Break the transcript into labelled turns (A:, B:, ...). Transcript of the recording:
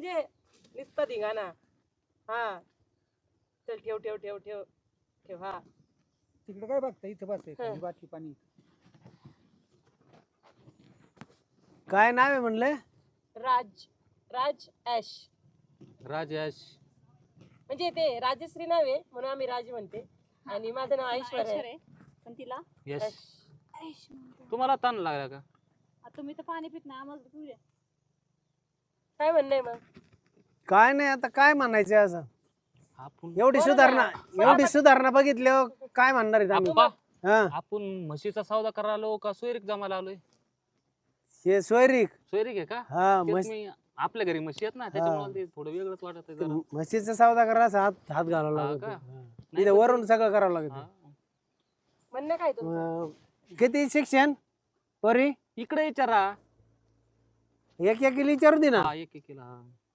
A: म्हणजे नुसतं धिंगाणा. हा चल ठेव ठेव ठेव ठेव ठेव. हा
B: तिकडे काय बघता, इथं बसते खाली बाटली पाणी.
C: काय नाव आहे म्हणले?
A: राज राज ॲश.
D: राजेश
A: म्हणजे ते राजश्री नाव आहे म्हणून आम्ही राज म्हणते. आणि माझं नाव ऐश्वर्या आहे.
E: पण तिला
D: यश
A: ॲश.
E: ऐश म्हणतो.
D: तुम्हाला ताण लागला का?
E: आता तुम्ही तर पाणी पित नाही, आम्हाला पिऊ द्या.
A: काय म्हणणं आहे मग?
C: काय नाही, आता काय म्हणायचं असं?
D: आपण
C: एवढी सुधारणा बघितल्यावर काय म्हणणार आहेत आम्ही?
D: आप्पा,
C: हा,
D: आपण म्हशीचा सौदा करायला आलो का सोयरीक जमायला आलोय?
C: हे सोयरीक.
D: सोयरीक आहे का?
C: हा,
D: तेच मी आपल्या घरी म्हशी आहेत ना, त्याच्यामुळे ते थोडं वेगळंच वाटत आहे जरा.
C: म्हशीचा सौदा करायला हात घालावा
D: हा
C: लागतो.
D: का?
C: हा. इथं वरून सगळं करावं लागतं.
D: हा.
A: म्हणणं काय तुमचं?
C: किती शिक्षण परी?
D: इकडे विचारा.
C: एक विचारू दे ना.
D: हा, एक केला.